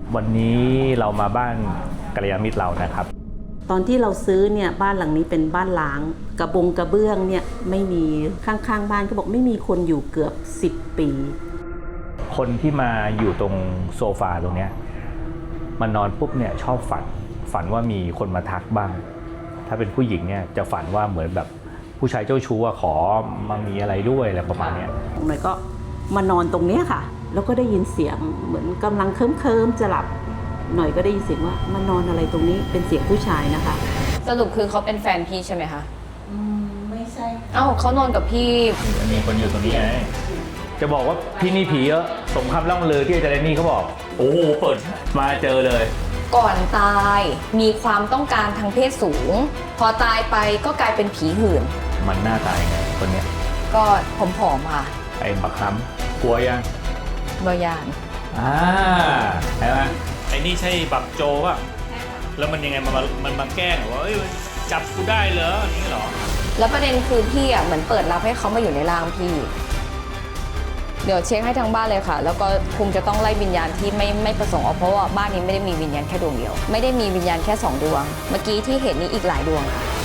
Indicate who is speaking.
Speaker 1: วันนี้เรามาบ้านกัลยาณมิตรเรานะครับ
Speaker 2: ตอนที่เราซื้อเนี่ยบ้านหลังนี้เป็นบ้านล้างกระเบื้องเนี่ยไม่มีข้างๆบ้านก็บอกไม่มีคนอยู่เกือบ10 ปี
Speaker 1: คนที่มาอยู่ตรงโซฟาตรงเนี้ยมันนอนปุ๊บเนี่ยชอบฝันว่ามีคนมาทักบ้างถ้าเป็นผู้หญิงเนี่ยจะฝันว่าเหมือนแบบผู้ชายเจ้าชู้ขอมามีอะไรด้วยอะไรประมาณนี้
Speaker 2: หน่อยก็มานอนตรงนี้ค่ะแล้วก็ได้ยินเสียงเหมือนกำลังเคลิ้มจะหลับหน่อยก็ได้ยินเสียงว่ามานอนอะไรตรงนี้เป็นเสียงผู้ชายนะคะ
Speaker 3: สรุปคือเขาเป็นแฟนพี่ใช่ไหมคะ
Speaker 2: ไม่ใช่
Speaker 3: เอ้าเขานอนกับพี่
Speaker 1: มีคนอยู่ตรงนี้ไงจะบอกว่าที่นี่ผีเยอะสมคำล่ำลือที่อาจารย์นี่เขาบอกโอ้โหเปิดมาเจอเลย
Speaker 3: ก่อนตายมีความต้องการทางเพศสูงพอตายไปก็กลายเป็นผีหื่น
Speaker 1: มันหน้าตายไงคนเนี้ย
Speaker 3: ก็ผอมๆค่ะ
Speaker 1: ไอ้บักค้ำกลัวยัง
Speaker 3: บอยาน
Speaker 1: ใช่ไหมไอ้นี่ใช่บักโจป่ะแล้วมันยังไงมันมาแกล้งว่าจับกูได้เหรอนี่เหรอ
Speaker 3: แล้วประเด็นคือพี่อ่ะเหมือนเปิดรับให้เขามาอยู่ในร่างพี่เดี๋ยวเช็คให้ทางบ้านเลยค่ะแล้วก็คงจะต้องไล่วิญญาณที่ไม่ประสงค์ออกเพราะว่าบ้านนี้ไม่ได้มีวิญญาณแค่ดวงเดียวไม่ได้มีวิญญาณแค่2 ดวงเมื่อกี้ที่เห็นนี้อีกหลายดวงค่ะ